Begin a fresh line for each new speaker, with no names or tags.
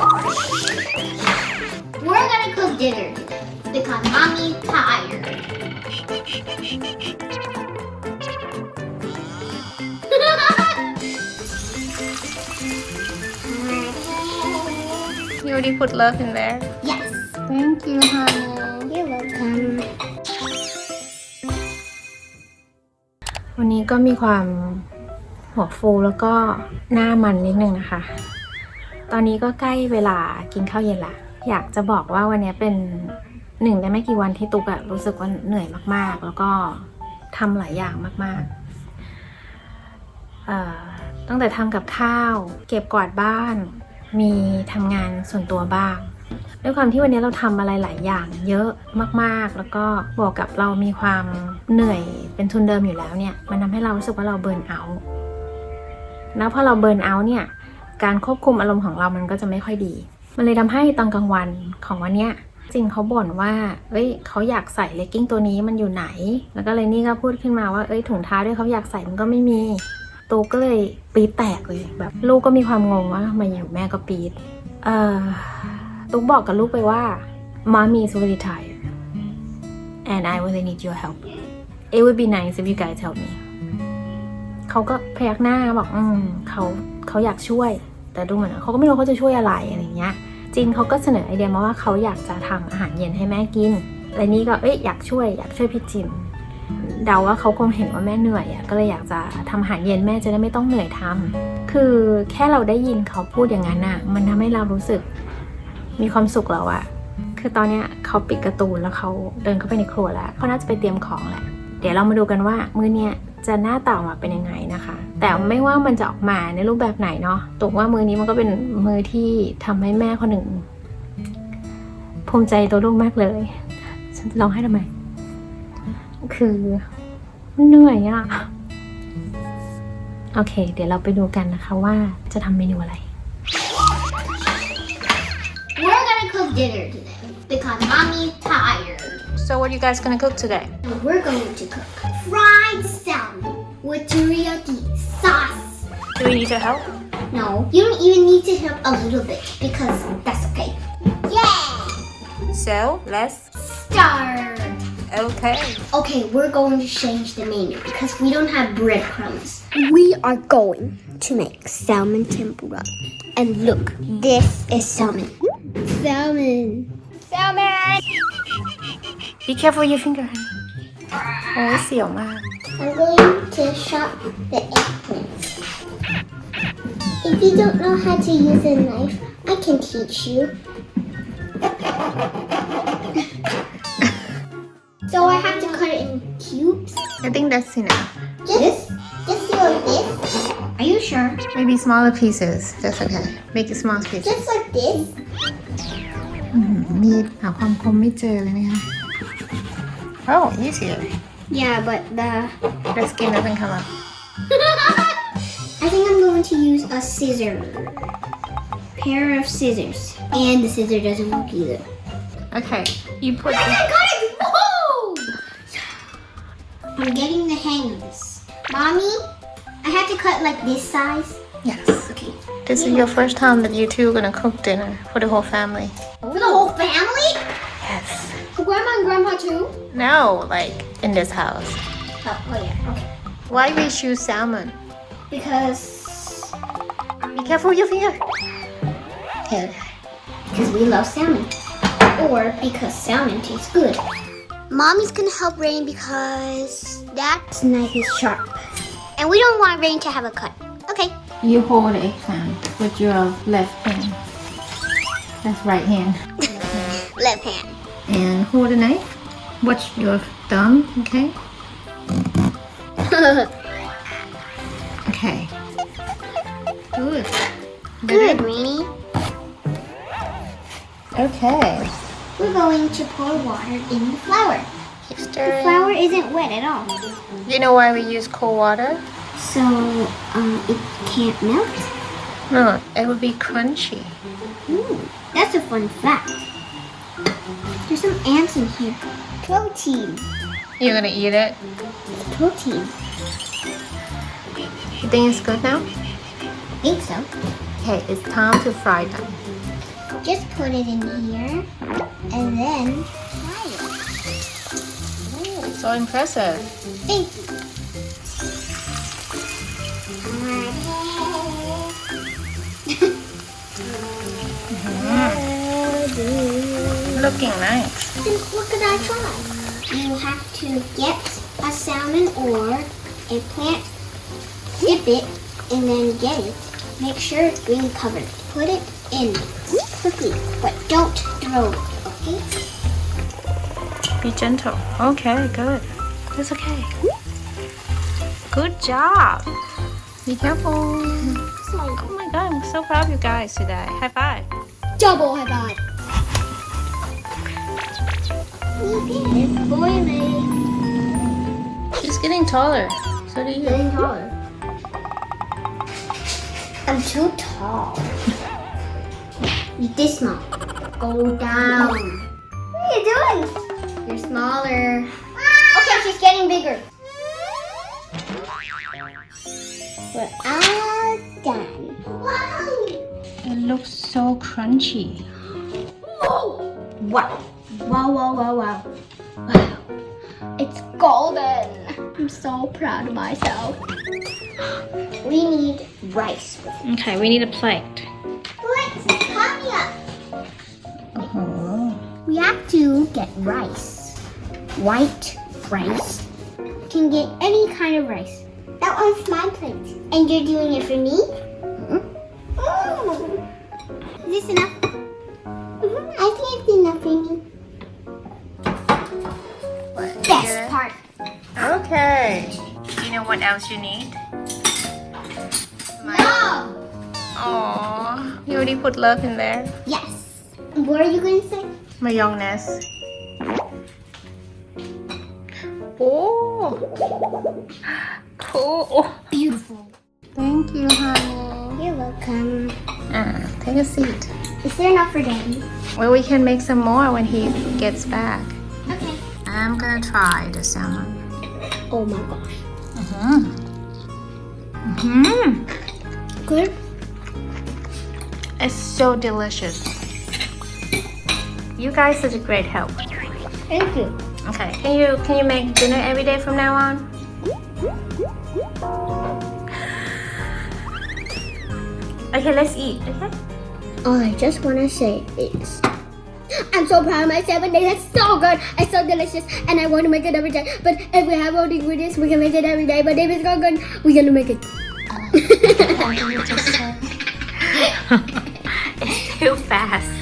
We're gonna cook dinner today because mommy's tired.
You already put love in there.
Yes.
Thank you, honey.
You're welcome.
วันนี้ก็มีความหัวฟูแล้วก็หน้ามันนิดนึงนะคะ ตอนนี้ก็ใกล้เวลากินข้าวเย็นละ อยากจะบอกว่าวันนี้เป็นหนึ่งในไม่กี่วันที่ตุ๊กอะรู้สึกว่าเหนื่อยมากๆแล้วก็ทำหลายอย่างมากๆตั้งแต่ทำกับข้าวเก็บกวาดบ้านมีทำงานส่วนตัวบ้างด้วยความที่วันนี้เราทำอะไรหลายอย่างเยอะมากๆแล้วก็บวกกับเรามีความเหนื่อยเป็นทุนเดิมอยู่แล้วเนี่ยมันทำให้เรารู้สึกว่าเราเบิร์นเอาท์แล้วพอเราเบิร์นเอาท์เนี่ยการควบคุมอารมณ์ของเรามันก็จะไม่ค่อยดีมันเลยทำให้ตอนกลางวันของวันเนี้ยจริงเขาบ่นว่าเขาอยากใส่เลกกิ้งตัวนี้มันอยู่ไหนแล้วก็เลยนี่ก็พูดขึ้นมาว่าถุงเท้าด้วยเขาอยากใส่มันก็ไม่มีตูก็เลยปี๊ดแตกเลยแบบลูกก็มีความงงว่ามาอยู่แม่ก็ปี๊ดตุ๊กบอกกับลูกไปว่า Mommy is really tired and I really need your help it would be nice if you guys help me เขาก็พยักหน้าบอกเขาอยากช่วยแต่ดูเหมือนเขาก็ไม่รู้เขาจะช่วยอะไรเงี้ยจินเขาก็เสนอไอเดียมาว่าเขาอยากจะทำอาหารเย็นให้แม่กินและนี่ก็อยากช่วยพี่จินเดาว่าเขาคงเห็นว่าแม่เหนื่อยก็เลยอยากจะทำอาหารเย็นแม่จะได้ไม่ต้องเหนื่อยทำคือแค่เราได้ยินเขาพูดอย่างนั้นมันทำให้เรารู้สึกมีความสุขแล้วคือตอนนี้เขาปิดการ์ตูนแล้วเขาเดินเข้าไปในครัวแล้วเขาน่าจะไปเตรียมของแหละเดี๋ยวเรามาดูกันว่ามื้อเนี้ยจะหน้าตาออกมาเป็นยังไงนะคะแต่ไม่ว่ามันจะออกมาในรูปแบบไหนเนาะตกว่ามื้อนี้มันก็เป็นมื้อที่ทำให้แม่คนหนึ่งภูมิใจตัวลูกมากเลยฉันร้องไห้ทำไมคือเหนื่อยโอเคเดี๋ยวเราไปดูกันนะคะว่าจะทำเมนูอะไร
We're gonna cook dinner today because mommy's tired.
So what are you guys gonna cook today?
And we're going to cook fried salmon with teriyaki sauce.
Do we need to help?
No, you don't even need to help a little bit because that's okay. Yeah!
So let's
Start!
Okay.
Okay, we're going to change the menu because we don't have breadcrumbs. We are going to make salmon tempura. And look, this is salmon. Salmon. Salmon!
Be careful with your finger, honey. โอ้ยเสียวมาก
I'm going to chop the eggplant. If you don't know how to use a knife, I can teach you. So I have to cut it in cubes.
I think that's enough.
Just like this. Are you sure?
Maybe smaller pieces. That's okay. Make it small pieces.
Just like this.
มีดหาความคมไม่เจอเลยนะคะ Oh, easier.
Yeah, but
The skin doesn't come up.
I think I'm going to use a scissor. Pair of scissors. And the scissor doesn't work either.
Okay. You put
I got it! Whoa! I'm getting the hang of this. Mommy, I have to cut like this size.
Yes.
Okay.
This is your first time that you two are gonna cook dinner for the whole family.
For the whole family?
Yes.
For Grandma and Grandpa too?
No, like in this house.
Oh yeah, okay.
Why we choose salmon?
Because
Be careful with your finger. Okay.
because we love salmon. Or because salmon tastes good. Mommy's gonna help Rain because that knife is sharp. And we don't want Rain to have a cut. Okay.
You hold the eggplant with your left hand. That's right hand.
Left hand.
And hold the knife. Watch your thumb, okay? Okay. Good.
Good, Rainy.
Okay.
We're going to pour water in the flour.
Keep
The
stirring.
flour isn't wet at all.
You know why we use cold water?
So, it can't melt.
No, it would be crunchy.
Ooh, that's a fun fact. There's some ants in here. Protein.
You're gonna eat it?
Protein.
You think it's good now?
I think so.
Okay, it's time to fry them.
just put it in here and then fry it.
So impressive.
Thank you.
Looking nice.
Then what could I try? You have to get a salmon or a plant, dip it, and then get it. Make sure it's green covered. Put it in quickly, but don't throw it, okay?
Be gentle. Okay, good. It's okay. Good job. Be careful.
Sorry.
Oh my god, I'm so proud of you guys today. High five.
Double high five. It's boiling.
She's getting taller. So do you.
Getting taller. I'm too tall. Eat this small. Go down. What are you doing? You're smaller. Okay, she's getting bigger. We're all done.
It looks so crunchy.
Wow. Wow, wow, wow, wow. Wow. It's golden. I'm so proud of myself. We need rice.
Okay, we need a plate.
Let's hurry up.
Oh.
We have to get rice. White rice. You can get any kind of rice. That one's my plate. And you're doing it for me? Is this enough? I think it's enough for me. Best part.
Okay. Do you know what else you need?
No!
Oh, you already put love in there.
Yes. What are you going to say?
Mayonnaise. Oh. Cool. Oh.
Beautiful.
Thank you, honey.
You're welcome.
Take a seat.
Is there enough for Daddy?
Well, we can make some more when he gets back.
Okay.
I'm gonna try the salmon.
Oh my gosh. Good?
It's so delicious. You guys such a great help.
Thank you.
Okay, can you make dinner every day from now on? Okay, let's eat. Okay.
All I just want to say is, I'm so proud of myself and it's so good. It's so delicious and I want to make it every day. But if we have all the ingredients, we can make it every day. But if it's not good, we're going to make it.
It's too fast.